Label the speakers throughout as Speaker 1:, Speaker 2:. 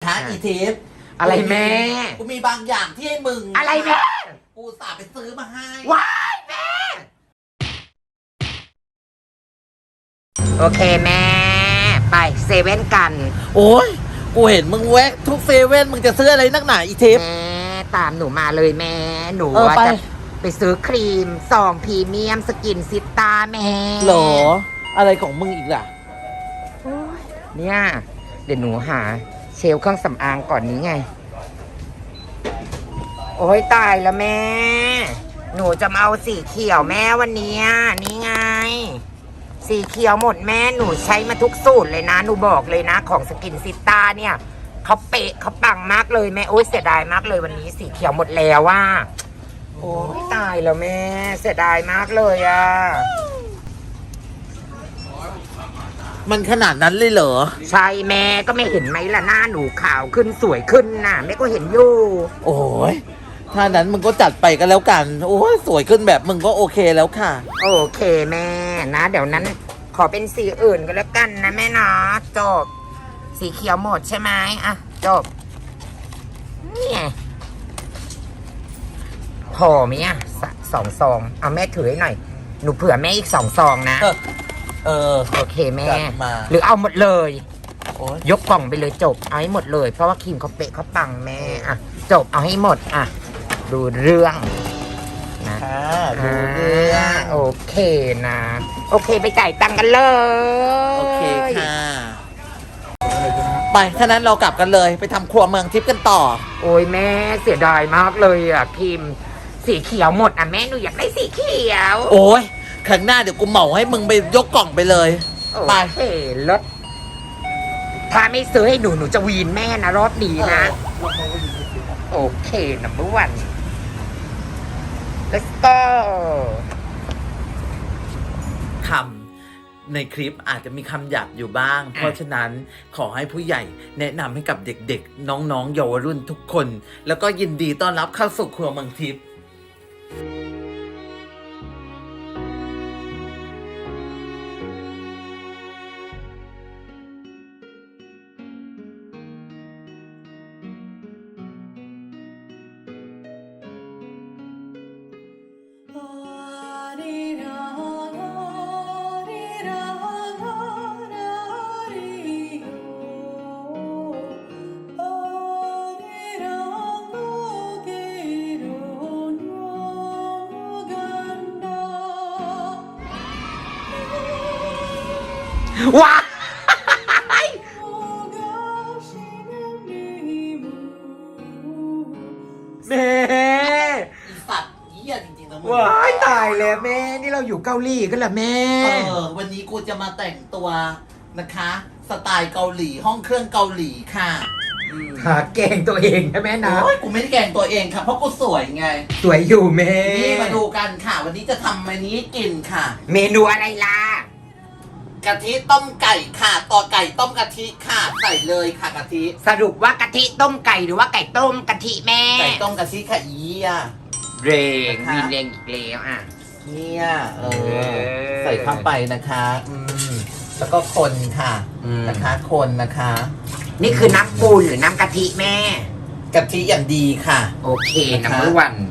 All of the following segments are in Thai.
Speaker 1: คะอีทิพย์
Speaker 2: อะไรแม่
Speaker 1: กูมีบางอย่างที่ให้มึง
Speaker 2: อะไรแม่
Speaker 1: กูสาไปซื้อมาให้
Speaker 2: ว้ายแม่โอเคแม่ไปเซเว่นกัน
Speaker 1: โอ้ยกูเห็นมึงแวะทุกเซเว่นมึงจะซื้ออะไรนักหนาอีทิพย์
Speaker 2: แม่ตามหนูมาเลยแม่หนูว่าจะไปซื้อครีมซองพรีเมียมสกินซิตาแม่
Speaker 1: หรออะไรของมึงอีกล่ะ
Speaker 2: เนี่ยเดี๋ยวหนูหาเชลเครื่องสำอางก่อนนี้ไงโอ้ยตายแล้วแม่หนูจะมาเอาสีเขียวแม่วันนี้นี่ไงสีเขียวหมดแม่หนูใช้มาทุกสูตรเลยนะหนูบอกเลยนะของสกินซิต้าเนี่ยเขาเป๊ะเขาปังมากเลยแม่โอ้ยเสียดายมากเลยวันนี้สีเขียวหมดแล้วว่าโอ้ยตายแล้วแม่เสียดายมากเลยอ่ะ
Speaker 1: มันขนาดนั้นเลยเหรอ
Speaker 2: ใช่แม่ก็ไม่เห็นไหมล่ะหน้าหนูขาวขึ้นสวยขึ้นน่ะแม่ก็เห็นอยู่
Speaker 1: โอ้ยถ้านั้นมึงก็จัดไปกันแล้วกันโอ้ยสวยขึ้นแบบมึงก็โอเคแล้วค่ะ
Speaker 2: โอเคแม่นะเดี๋ยวนั้นขอเป็นสีอื่นก็แล้วกันนะแม่นะจบสีเขียวหมดใช่ไหมอ่ะจบนี่พอไหมอ่ะ2 ซองเอาแม่ถือให้หน่อยหนูเผื่อแม่อีก2 ซองนะโอเคแม่หรือเอาหมดเลยยกกล่องไปเลยจบเอาให้หมดเลยเพราะว่าครีมเขาเป๊ะเขาปังแม่อ่ะจบเอาให้หมดอ่ะดูเรื่องนะ
Speaker 1: ดูเรื่อง
Speaker 2: โอเคนะโอเคไปจ่ายตังค์กันเลย
Speaker 1: โอเคค่ะไปถ้านั้นเรากลับกันเลยไปทำครัวเมืองทิพย์กันต่อ
Speaker 2: โอ้ยแม่เสียดายมากเลยอ่ะครีมสีเขียวหมดอ่ะแม่หนูอยากได้สีเขียว
Speaker 1: โอ้ยครั้งหน้าเดี๋ยวกูเหมาให้มึงไปยกกล่องไปเลย
Speaker 2: ไปรถถ้าไม่ซื้อให้หนูจะวีนแม่นะรอบนี้นะโอเคnumber 1 let's go
Speaker 1: คำในคลิปอาจจะมีคำหยาบอยู่บ้างเพราะฉะนั้นขอให้ผู้ใหญ่แนะนำให้กับเด็กๆน้องๆเยาวรุ่นทุกคนแล้วก็ยินดีต้อนรับเข้าสู่ครัวเมืองทิพย์
Speaker 2: ว้าแม่
Speaker 1: สัตว์เหี้ยจริงๆนะมึง
Speaker 2: ว้ายตายแล้วแม่นี่เราอยู่เกาหลีกันเหรอแม่
Speaker 1: วันนี้กูจะมาแต่งตัวนะคะสไตล์เกาหลีห้องเครื่องเกาหลีค่ะ
Speaker 2: แกงตัวเองใช่ไหมนะ
Speaker 1: โอ้ยกูไม่ได้แกงตัวเองค่ะเพราะกูสวยไง
Speaker 2: สวยอยู่แม่
Speaker 1: นี่มาดูกันค่ะวันนี้จะทำเมนูให้กินค่ะ
Speaker 2: เมนูอะไรล่ะ
Speaker 1: กะทิต้มไก่ค่ะต่อไก่ต้มกะทิค่ะใส่เลยค่ะกะทิ
Speaker 2: สรุปว่ากะทิต้มไก่หรือว่าไก่ต้มกะทิแม่
Speaker 1: ไก่ต้มกะทิค่ะอีอ่ะ
Speaker 2: เรงวินเรงอีกแล้วอ่ะ
Speaker 1: เนี่ยใส่เข้าไปนะคะแล้วก็คนค่ะนะคะคนนะคะ
Speaker 2: นี่คือน้ำปูนหรือน้ำกะทิแม่
Speaker 1: กะทิอย่างดีค่ะ
Speaker 2: โอเคnumber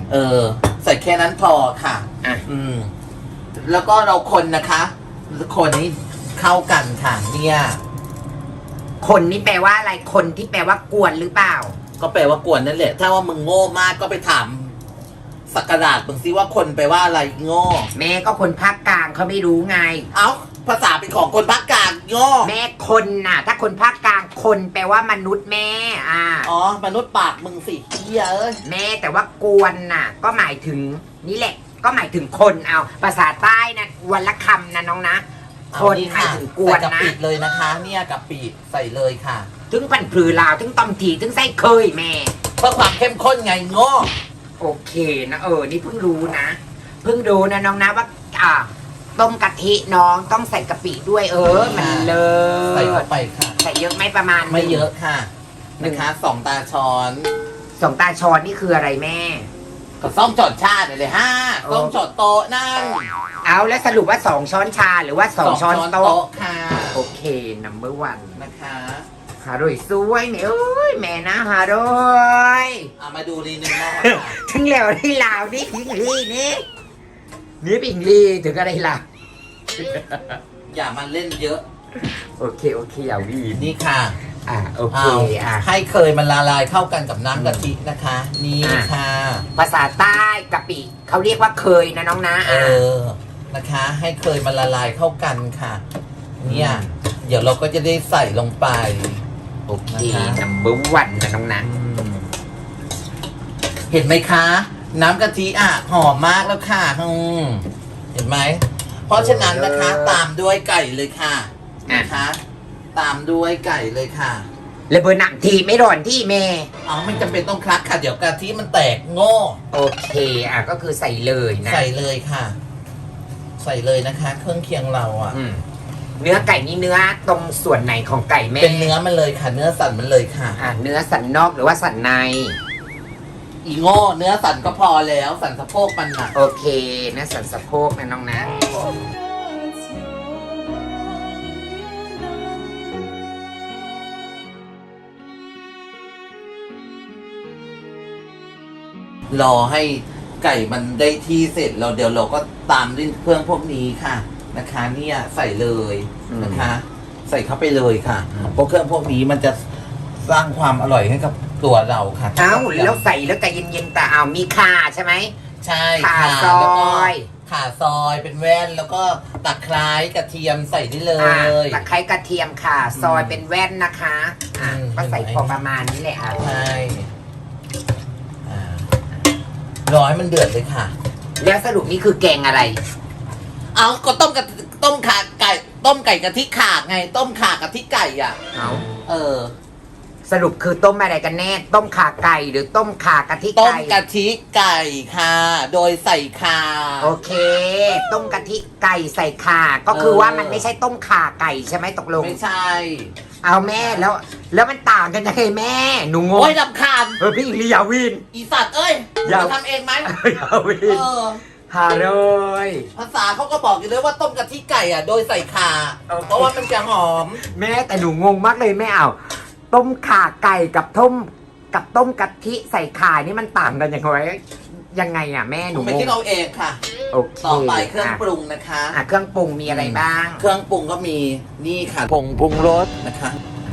Speaker 2: 1
Speaker 1: ใส่แค่นั้นพอค่ะแล้วก็เราคนนะคะคนนี้เข้ากันค่ะเนี่ย
Speaker 2: คนนี่แปลว่าอะไรคนที่แปลว่ากวนหรือเปล่า
Speaker 1: ก็แปลว่ากวนนั่นแหละถ้าว่ามึงโง่มากก็ไปถามสักการะมึงซิว่าคนแปลว่าอะไรโง่
Speaker 2: แม่ก็คนภาคกลางเขาไม่รู้ไง
Speaker 1: เอ้าภาษาเป็นของคนภาคกลางโง่
Speaker 2: แม่คนน่ะถ้าคนภาคกลางคนแปลว่ามนุษย์แม่
Speaker 1: อ๋อมนุษย์ปากมึงสิเหี้ยเอ้ย
Speaker 2: แม่แต่ว่ากวนน่ะก็หมายถึงนี่แหละก็หมายถึงคนเอาภาษาใต้นะวันละคำนะน้องนะคนหมายถึงกวนนะ
Speaker 1: กะปิเลยนะคะเนี่ยกะปิใส่เลยค่ะ
Speaker 2: ถึงพันผือลาวถึงต้มทีถึงไส้เคยแม่
Speaker 1: เพื่อความเข้มข้นไงโง่
Speaker 2: โอเคนะนี่เพิ่งรู้นะเพิ่งรู้นะน้องนะว่าต้มกะทิน้องต้องใส่กะปิด้วยมันเลย
Speaker 1: ใส่เข้าไปค่ะ
Speaker 2: ใส่เยอะไหมประมาณ
Speaker 1: ไม่เยอะค่ะนะคะ2 ตาช้อน
Speaker 2: 2 ตาช้อนนี่คืออะไรแม่
Speaker 1: ก็ส้มจอดชาเลยส้มจอดโต๊ะนั่ง
Speaker 2: เอาแล้วสรุปว่า2 ช้อนชาหรือว่า2 ช้อนโต๊ะ
Speaker 1: ค่ะ
Speaker 2: โอเคnumber 1
Speaker 1: นะคะ
Speaker 2: หาด้วยสวยเนี่ยโอ้ยแม่นะหาด้วย
Speaker 1: มาดูรีนึงหม้อ
Speaker 2: ทั้งแล้วที่ลาวนี่พิงลีนี่พิงลีถึงอะไรล่ะ
Speaker 1: อย่ามาเล่นเยอะ
Speaker 2: โอเคอย่าวีน
Speaker 1: นี่ค่ะ
Speaker 2: โอเค
Speaker 1: ให้เคยมันละลายเข้ากันกับน้ำกะทินะคะ นี่ค่ะ
Speaker 2: ภาษาใต้กะปิเขาเรียกว่าเคยนะน้องนะ
Speaker 1: นะคะ ให้เคยมันละลายเข้ากันค่ะ เนี่ย เดี๋ยวเราก็จะได้ใส่ลงไป
Speaker 2: โอเคนัมเบอร์วันนะน้องนะ
Speaker 1: เห็นไหมคะ น้ำกะทิหอมมากแล้วค่ะเห็นไหม เพราะฉะนั้นนะคะ ตามด้วยไก่เลยค่ะนะคะ ตามด้วยไก่เลยค่ะ
Speaker 2: แล้วเบอร์หนังทีไม่ร้อนที่เมย์
Speaker 1: ไม่จำเป็นต้องคลักค่ะ เดี๋ยวกะทิมันแตกโง่
Speaker 2: โอเคก็คือใส่เลยนะ
Speaker 1: ใส่เลยค่ะ ใส่เลยนะคะ เครื่องเคียงเรา
Speaker 2: เนื้อไก่นี่เนื้อตรงส่วนไหนของไก่แม่
Speaker 1: เป็นเนื้อมันเลยค่ะ เนื้อสันมันเลยค่ะ
Speaker 2: เนื้อสันนอกหรือว่าสันใน
Speaker 1: อีโง่เนื้อสันก็พอแล้ว สันสะโพกมันน่ะ
Speaker 2: โอเคเนื้อสันสะโพกนะน้องนะ
Speaker 1: รอให้ไก่มันได้ที่เสร็จเราเดี๋ยวเราก็ตามด้วยเครื่องพวกนี้ค่ะนะคะ เนี่ยใส่เลยนะคะ ใส่เข้าไปเลยค่ะเพราะเครื่องพวกนี้มันจะสร้างความอร่อยให้กับตัวเราค่ะ
Speaker 2: แล้วใส่แล้วใจเย็นๆแต่มีข่าใช่ไหม
Speaker 1: ใช่
Speaker 2: ข่าซอย
Speaker 1: ข่าซอยเป็นแว่นแล้วก็ตะไคร้กระเทียมใส่ได้เลย
Speaker 2: ตะไคร้กระเทียมข่าซอยเป็นแว่นนะคะก็ใส่พอประมาณนี้แหละ
Speaker 1: ใช่รอให้มันเดือดเลยค่ะ
Speaker 2: แล้วสรุปนี่คือแกงอะไร
Speaker 1: ก็ต้มข่าไก่ต้มไก่กะทิข่าไง ต้มข่ากะทิไก่
Speaker 2: สรุปคือต้มอะไรกันแน่ต้มข่าไก่หรือต้มข่ากะทิไก่
Speaker 1: ต้มกะทิไก่ค่ะโดยใส่ข่า
Speaker 2: โอเคต้มกะทิไก่ใส่ข่าก็คือว่ามันไม่ใช่ต้มข่าไก่ใช่ไหมตกลง
Speaker 1: ไม่ใช่
Speaker 2: เอาแม่แล้วมันต่างกันยังไงแม่หนูงง
Speaker 1: โอ้ยรำคาญ
Speaker 2: พี่อิงลีอย่าวิน
Speaker 1: อีสัตว์อย่าทำเองไหม
Speaker 2: อย่าวินหาเลย
Speaker 1: ภาษาเขาก็บอกอยู่เลยว่าต้มกะทิไก่โดยใส่ข่าเพราะว่ามันจะหอม
Speaker 2: แม่แต่หนูงงมากเลยแม่ต้มข่าไก่กับต้มกะทิใส่ข่านี่มันต่างกันยังไงแม่หนู
Speaker 1: ไม่คิดเอาเองค่ะ
Speaker 2: โอเค
Speaker 1: ต่อไปเครื่องปรุงนะคะ
Speaker 2: เครื่องปรุงมีอะไรบ้าง
Speaker 1: เครื่องปรุงก็มีนี่ค่ะผงปรุงรสนะคะ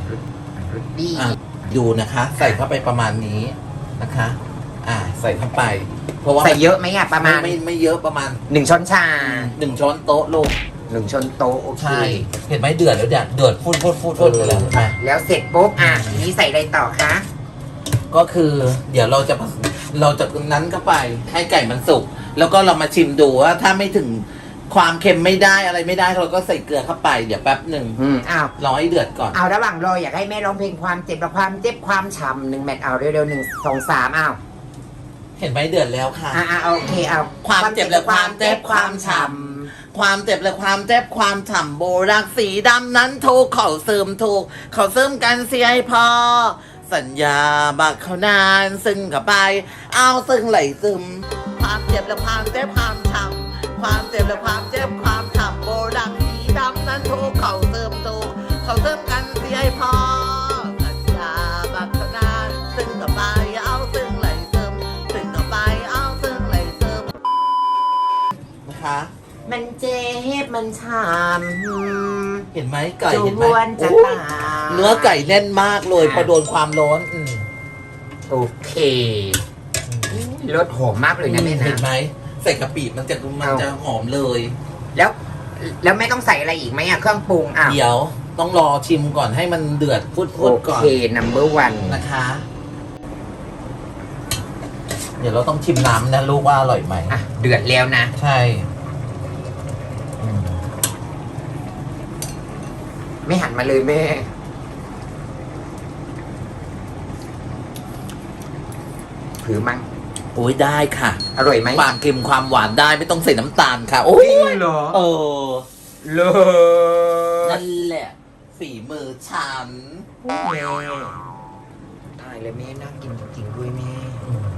Speaker 1: ดูนะคะ ใส่เข้าไปประมาณนี้นะคะใส่เข้าไปเพราะว่า
Speaker 2: ใส่เยอะไหมประมาณ
Speaker 1: ไม่เยอะประมาณ
Speaker 2: 1 ช้อนชา
Speaker 1: 1 ช้อนโต๊ะลูก
Speaker 2: 1 ช้อนโต๊ะโอเค
Speaker 1: เห็นไหมเดือดแล้วเดือดฟูดเลย
Speaker 2: แล้วเสร็จปุ๊บนี้ใส่อะไรต่อคะ
Speaker 1: ก็คือเดี๋ยวเราจะนั้นเข้าไปให้ไก่มันสุกแล้วก็เรามาชิมดูว่าถ้าไม่ถึงความเค็มไม่ได้อะไรไม่ได้เราก็ใส่เกลือเข้าไปเดี๋ยวแป๊บหนึ่งรอให้เดือดก่อน
Speaker 2: ระหว่างรออยากให้แม่ร้องเพลงความเจ็บความฉ่ำ1 แมทเร็วๆ1 2 3
Speaker 1: เห็นไหมเดือดแล้วค่ะ
Speaker 2: โอเค
Speaker 1: ความเจ็บและความเจ็บความฉ่ำความเจ็บและความเจ็บความฉ่ำโบรักสีดำนั้นถูกเขาเสริมกันเสียให้พอสัญญาบักเขานานซึ่งกับไปซึ่งไหลซึมความเจ็บและความเจ็บความฉ่ำความเจ็บและความเจ็บความฉ่ำโบรักสีดำนั้นถูกเขาเสริมกันเสียให้พอสัญญาบักเขานานซึ่งกับไปซึ่งไหลซึมซึ่งกับไปซึ่งไหลซึมนะคะ
Speaker 2: มันเจ็บมันช้
Speaker 1: ำเห็นไหมไก่เห็นไหมเนื้อไก่แน่นมากเลยพอโดนความร้อน
Speaker 2: โอเครสหอมมากเลยนะแม่นะ
Speaker 1: เห็นไหมใส่กะปิมันจะหอมเลย
Speaker 2: แล้วแม่ต้องใส่อะไรอีกไหมเครื่องปรุง
Speaker 1: เดี๋ยวต้องรอชิมก่อนให้มันเดือดฟุดก่อน
Speaker 2: โอเคนัมเบอร์วัน
Speaker 1: นะคะเดี๋ยวเราต้องชิมน้ำนะลูกว่าอร่อยไหม
Speaker 2: เดือดแล้วนะ
Speaker 1: ใช่
Speaker 2: ไม่หันมาเลยแม่ถือมั้ง
Speaker 1: โอ้ยได้ค่ะ
Speaker 2: อร่อยไหม
Speaker 1: ความเค็มความหวานได้ไม่ต้องใส่น้ำตาลค่ะโอ้
Speaker 2: ยเหรอ
Speaker 1: นั่นแหละฝีมือฉัน
Speaker 2: แม่ตายเลยแม่น่ากินจริงด้วยแม่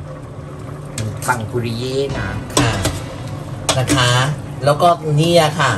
Speaker 2: ปังปุริเย่นะ
Speaker 1: ค่ะนะคะแล้วก็เนี่ยค่ะ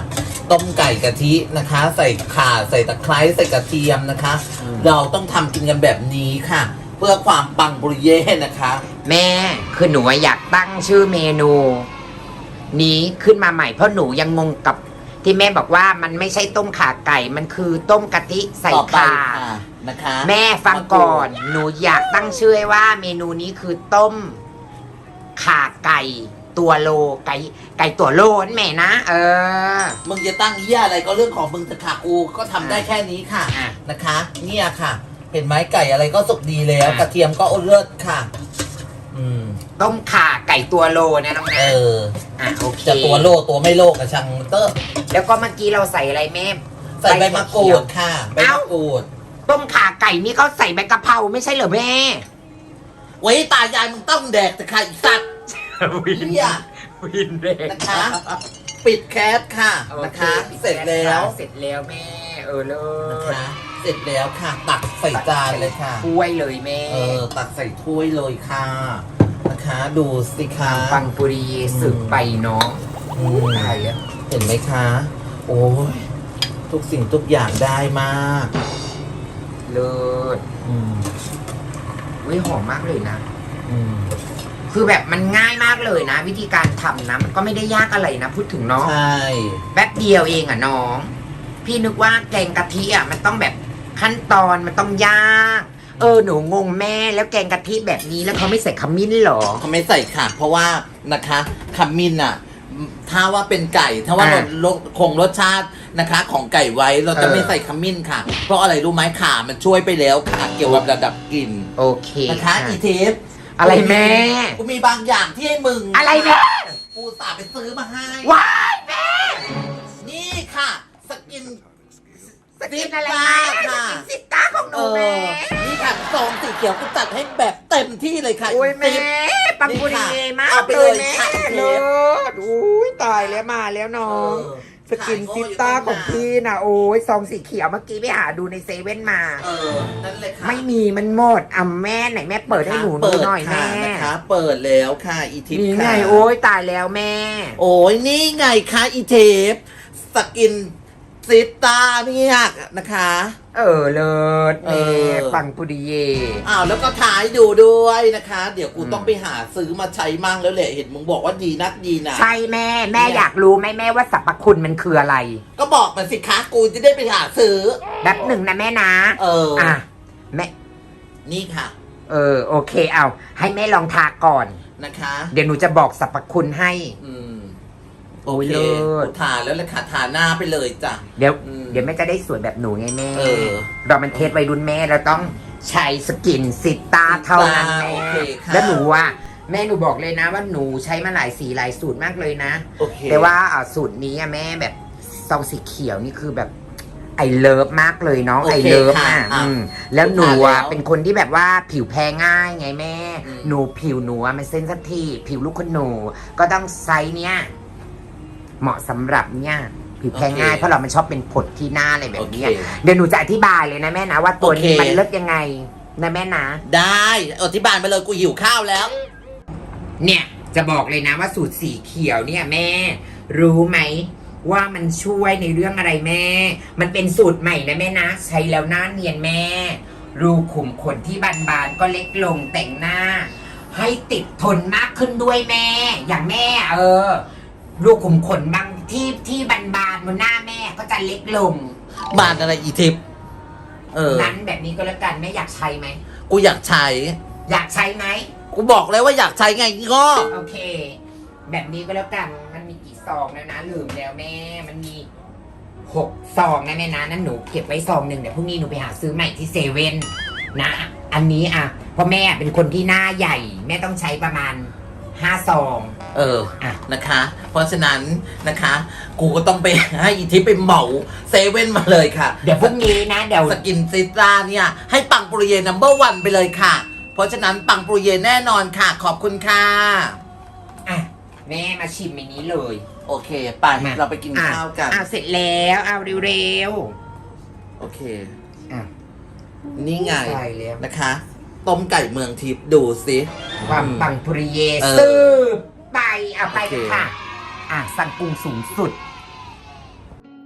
Speaker 1: ต้มไก่กะทินะคะ ใส่ข่าใส่ตะไคร้ใส่กระเทียมนะคะ เราต้องทำกินกันแบบนี้ค่ะ เพื่อความปังปุริเย่นะคะ
Speaker 2: แม่คือหนูอยากตั้งชื่อเมนู นี้ขึ้นมาใหม่เพราะหนูยังงงกับที่แม่บอกว่ามันไม่ใช่ต้มข่าไก่ มันคือต้มกะทิใส่
Speaker 1: ต่อไป
Speaker 2: ข่า
Speaker 1: ค่ะนะคะ
Speaker 2: แม่ฟังก่อน หนูอยากตั้งชื่อให้ว่าเมนูนี้คือต้มข่าไก่ตัวโลไก่ตัวโลนั่นแม่นะ
Speaker 1: มึงจะตั้งเหี้ยอะไรก็เรื่องของมึงแต่ค่ะกูก็ทำได้แค่นี้ค่ะ
Speaker 2: อ่ะ
Speaker 1: นะคะ เนี่ยค่ะ เห็นไหมไก่อะไรก็สุกดีแล้ว
Speaker 2: อ่ะ
Speaker 1: กระเทียมก็เลิศค่ะ
Speaker 2: ต้มข่าไก่ตัวโลนะน้องนะโอเค
Speaker 1: จะตัวโลตัวไม่โลกับช่างเตอร์
Speaker 2: แล้วก็เมื่อกี้เราใส่อะไรแม่
Speaker 1: ใส่ใบมะกรูดค่ะใบมะกรูด
Speaker 2: ต้มข่าไก่นี่เขาใส่ใบกะเพราไม่ใช่เหรอแม่
Speaker 1: ไว้ตายายมึงต้องแดกแต่ค่ะอีสัตว์
Speaker 2: วิน
Speaker 1: เนี่ย
Speaker 2: วินเด็ก
Speaker 1: นะคะ ปิดแคสค่ะนะคะ เสร็จแล้ว
Speaker 2: เสร็จแล้วแม่เลิ
Speaker 1: นะ
Speaker 2: ศ
Speaker 1: คะ เสร็จแล้วค่ะ ตักใส่จานเลยค่ะ
Speaker 2: ถ้วยเลยแม่
Speaker 1: ตักใส่ถ้วยเลยค่ะนะคะ ดูสิคะ
Speaker 2: ปังปุรีสึกไปเนาะ
Speaker 1: อืม
Speaker 2: ตายแล้ว
Speaker 1: เห็นไหมคะ โอ้ยทุกสิ่งทุกอย่างได้มาก
Speaker 2: เลิศ
Speaker 1: อืม
Speaker 2: วิหอมมากเลยนะ
Speaker 1: อืม
Speaker 2: คือแบบมันง่ายมากเลยนะ วิธีการทำนะมันก็ไม่ได้ยากอะไรนะ พูดถึงเนาะ
Speaker 1: ใช่
Speaker 2: แป๊บเดียวเองอ่ะน้อง พี่นึกว่าแกงกะทิอ่ะมันต้องแบบขั้นตอนมันต้องยากหนูงงแม่แล้วแกงกะทิแบบนี้แล้วเขาไม่ใส่ขมิ้นเหรอ
Speaker 1: เขาไม่ใส่ค่ะ เพราะว่านะคะขมิ้นอ่ะ ถ้าว่าเป็นไก่ ถ้าว่า
Speaker 2: อ่า
Speaker 1: เราคงรสชาตินะคะ ของไก่ไว้เราจะไม่ใส่ขมิ้นค่ะ เพราะอะไรรู้ไหมข่ามันช่วยไปแล้วค่ะ เกี่ยวกับระดับกลิ่น
Speaker 2: โอเค
Speaker 1: นะคะ อีเทป
Speaker 2: อะไรแม่
Speaker 1: กูมีบางอย่างที่ให้มึง
Speaker 2: อะไรแม่
Speaker 1: กูสาไปซื้อมาให้
Speaker 2: ว้ายแม่
Speaker 1: นี่ค่ะ สกิน
Speaker 2: สกินอะไร
Speaker 1: ค่ะ
Speaker 2: สกินซิต้าของหนูแม่
Speaker 1: นี่ค่ะซองสีเขียวกูจัดให้แบบเต็มที่เลยค่ะ
Speaker 2: โอ้ยแม่
Speaker 1: ติ๊บ
Speaker 2: ปังปุรีมาก
Speaker 1: เอาไป
Speaker 2: เล
Speaker 1: เลย ย
Speaker 2: แม่
Speaker 1: ค่ะ
Speaker 2: เลิศอุ้ยตายแล้วมาแล้วน้อง สกินซิต้าของพี่นะโอ้ยซองสีเขียวเมื่อกี้ไปหาดูในเซเว่นมา
Speaker 1: นั่นเลยค่ะ
Speaker 2: ไม่มีมันหมดแม่ไหนแม่เปิดให้หนูดูหน่อยแม่
Speaker 1: นะคะ เปิดแล้วค่ะ อีทิป
Speaker 2: นี่ไง
Speaker 1: ค่ะ
Speaker 2: โอ้ยตายแล้วแม่
Speaker 1: โอ้ยนี่ไงคะอีเทปสกินซิต้าเนี่ยนะคะ
Speaker 2: เลิศแม่ปังปุริเย
Speaker 1: แล้วก็ถ่ายดูด้วยนะคะ เดี๋ยวกูต้องไปหาซื้อมาใช้มั่งแล้วแหละเห็นมึงบอกว่าดีนักดีนะ
Speaker 2: ใช่แม่อยากรู้ไหมแม่ว่าสรรพคุณมันคืออะไร
Speaker 1: ก็บอกมาสิคะกูจะได้ไปหาซื้อ
Speaker 2: แบบหนึ่งนะแม่นะแม่
Speaker 1: นี่ค่ะ
Speaker 2: โอเคเอาให้แม่ลองทาก่อน
Speaker 1: นะคะ
Speaker 2: เดี๋ยวหนูจะบอกสรรพคุณให้
Speaker 1: โอเค
Speaker 2: เลิศ
Speaker 1: ทาแล้วเลยค่ะทาหน้าไปเลยจ้ะ
Speaker 2: เดี๋ยวแม่จะได้สวยแบบหนูไงแม่ เรามันเทสวัยรุ่นแม่เราต้องใช้สกินซิต้าเท่านั้นแม่
Speaker 1: โอเคค่ะ
Speaker 2: แล้วหนูว่าแม่หนูบอกเลยนะว่าหนูใช้มาหลายสีหลายสูตรมากเลยนะ
Speaker 1: โอเค
Speaker 2: แต่ว่าสูตรนี้แม่แบบซองสีเขียวนี่คือแบบไอเลิฟมากเลยน้อง
Speaker 1: โอเค
Speaker 2: ไอเลิฟ
Speaker 1: ค่ะ
Speaker 2: แล้วหนู
Speaker 1: ทานแล้ว
Speaker 2: เป็นคนที่แบบว่าผิวแพ้ง่ายไงแม่
Speaker 1: อืม
Speaker 2: หนูผิวหนูมันเซนซิทีฟผิวลูกคนหนูก็ต้องไซส์เนี้ยเหมาะสำหรับเนี่ยผิวแพ้ง่ายเพราะเรามันชอบเป็นผดที่หน้าอะไรแบบนี้
Speaker 1: โอเค
Speaker 2: เดี๋ยวหนูจะอธิบายเลยนะแม่นะว่าตัวนี้
Speaker 1: โอเค
Speaker 2: มันเลิศยังไงนะแม่นะ
Speaker 1: ได้อธิบายมาเลยกูหิวข้าวแล้ว
Speaker 2: เนี่ยจะบอกเลยนะว่าสูตรสีเขียวเนี่ยแม่ รู้ไหมว่ามันช่วยในเรื่องอะไรแม่ มันเป็นสูตรใหม่นะแม่นะ ใช้แล้วหน้าเนียนแม่ รูขุมขนที่บานๆก็เล็กลงแต่งหน้า ให้ติดทนมากขึ้นด้วยแม่ อย่างแม่รูขุมขนบางที่บานๆบนหน้าแม่ก็จะเล็กลง
Speaker 1: บานอะไรอีทิป
Speaker 2: นั้นแบบนี้ก็แล้วกันแม่อยากใช้ไหม
Speaker 1: กูอยากใช้
Speaker 2: อยากใช้ไหม
Speaker 1: กูบอกแล้วว่าอยากใช้ไงก็
Speaker 2: โอเค แบบนี้ก็แล้วกัน มันมีกี่ซองแล้วนะลืมแล้วแม่ มันมี6 ซองนะแม่นะนั่นหนูเก็บไว้ซองหนึ่งเดี๋ยวพรุ่งนี้หนูไปหาซื้อใหม่ที่เซเว่นนะ อันนี้เพราะแม่เป็นคนที่หน้าใหญ่ แม่ต้องใช้ประมาณ5 ซอง
Speaker 1: นะคะ เพราะฉะนั้นนะคะ กูก็ต้องไปให้อีทิปไปเหมาเซเว่นมาเลยค่ะ
Speaker 2: เดี๋ยวพรุ่งนี้นะเดี๋ยว
Speaker 1: สกินซิตราเนี่ยให้ปังปุริเย่นัมเบอร์วันไปเลยค่ะ เพราะฉะนั้นปังปุริเย่แน่นอนค่ะ ขอบคุณค่ะ
Speaker 2: แม่มาชิมในนี้เลย
Speaker 1: โอเค ไปเราไปกินข้าวกัน
Speaker 2: เสร็จแล้วเอาเร็ว
Speaker 1: โอเค
Speaker 2: ๆ
Speaker 1: นี่ไง
Speaker 2: ใช่แล้ว
Speaker 1: นะคะ ต้มไก่เมืองทิพย์ดูสิ
Speaker 2: ความปังปุริเย
Speaker 1: เออ
Speaker 2: สืบไปเอาไป
Speaker 1: โอเค
Speaker 2: กันค่ะสั่งปรุงสูงสุด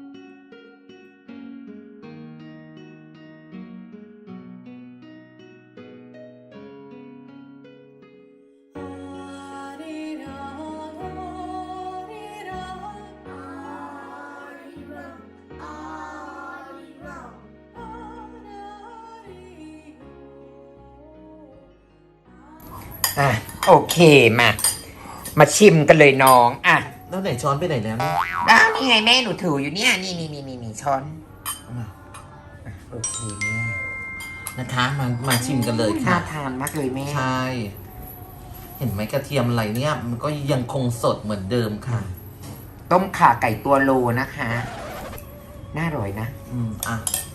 Speaker 2: อ่ะโอเคมาชิมกันเลยน้องอ่ะ
Speaker 1: แล้วไหนช้อนไปไหนแล้วเนี่ย
Speaker 2: อ้าวนี่ไงแม่หนูถืออยู่เนี่ยนี่ช้อน
Speaker 1: เอามา
Speaker 2: อ่ะโอเคแม่
Speaker 1: นะคะมาชิมกันเลย
Speaker 2: น่า
Speaker 1: ค่ะ
Speaker 2: ทานมากเลยแม่
Speaker 1: ใช่ เห็นไหมกระเทียมอะไรเนี่ย มันก็ยังคงสดเหมือนเดิมค่ะ
Speaker 2: ต้มข่าไก่ตัวโลนะคะน่าอร่อยนะ
Speaker 1: อ่ะ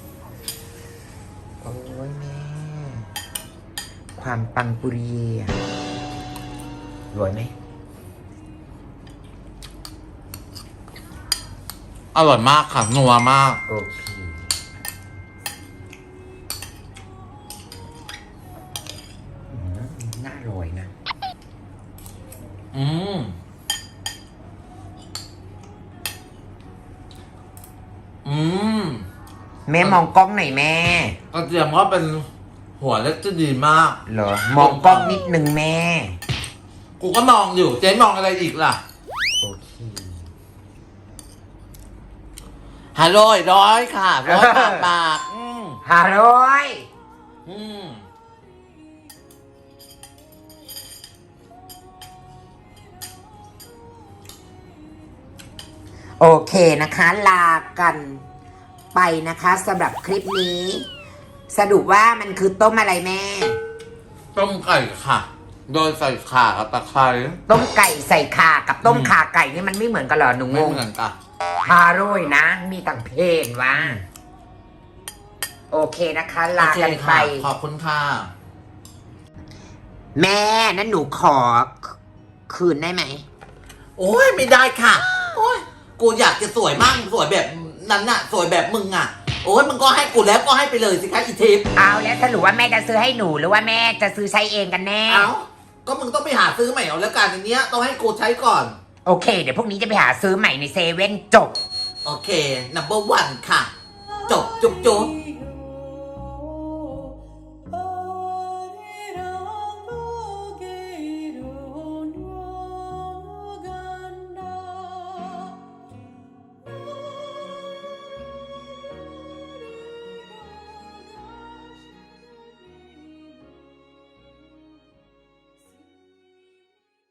Speaker 2: โอ้ยแม่ ความปังปุริเย่อะอร่อยไหม
Speaker 1: อร่อยมากค่ะนัวมาก
Speaker 2: โอเคน่าอร่อยนะ
Speaker 1: อืม
Speaker 2: แม่มองกล้องหน่อยแม่
Speaker 1: กระเทียมว่าเป็นหัวเล็กที่ดีมาก
Speaker 2: เหรอ มองกล้องนิดนึงแม่
Speaker 1: กูก็มองอยู่ เจ๊มองอะไรอีกล่ะ
Speaker 2: โอเค
Speaker 1: ฮัลโหลร้อยค่ะร้อยปาก
Speaker 2: ฮัลโหล
Speaker 1: อืม
Speaker 2: โอเคนะคะ ลากันไปนะคะสำหรับคลิปนี้ สรุปว่ามันคือต้มอะไรแม่
Speaker 1: ต้มไก่ค่ะ โดยใส่ข่ากับตะไคร้
Speaker 2: ต้มไก่ใส่ข่ากับต้มข่าไก่นี่มันไม่เหมือนกันเหรอหนูง
Speaker 1: ไม่
Speaker 2: ง
Speaker 1: เหมือนกัน
Speaker 2: ฮาโร่ยนะ มีต่างเพศวะโอเคนะคะ ลากันไป
Speaker 1: โอเคค่ะขอบคุณค่ะ
Speaker 2: แม่นั้นหนูขอคืนได้ไหม
Speaker 1: โอ้ยไม่ได้ค่ะ โอ้ยกูอยากจะสวยมากสวยแบบนั้นน่ะ สวยแบบมึงอ่ะ โอ้ยมึงก็ให้กูแล้วก็ให้ไปเลยสิคะอีทิพย์
Speaker 2: เอาแล้วสรุปว่าแม่จะซื้อให้หนูหรือว่าแม่จะซื้อใช้เองกันแน่
Speaker 1: เอ้าก็มึงต้องไปหาซื้อใหม่เอาแล้วกันอันเนี้ยต้องให้กูใช้ก่อน
Speaker 2: โอเค เดี๋ยวพรุ่งนี้จะไปหาซื้อใหม่ในเซเว่นจบ
Speaker 1: โอเค number one ค่ะ จบจุ๊บจุ๊บ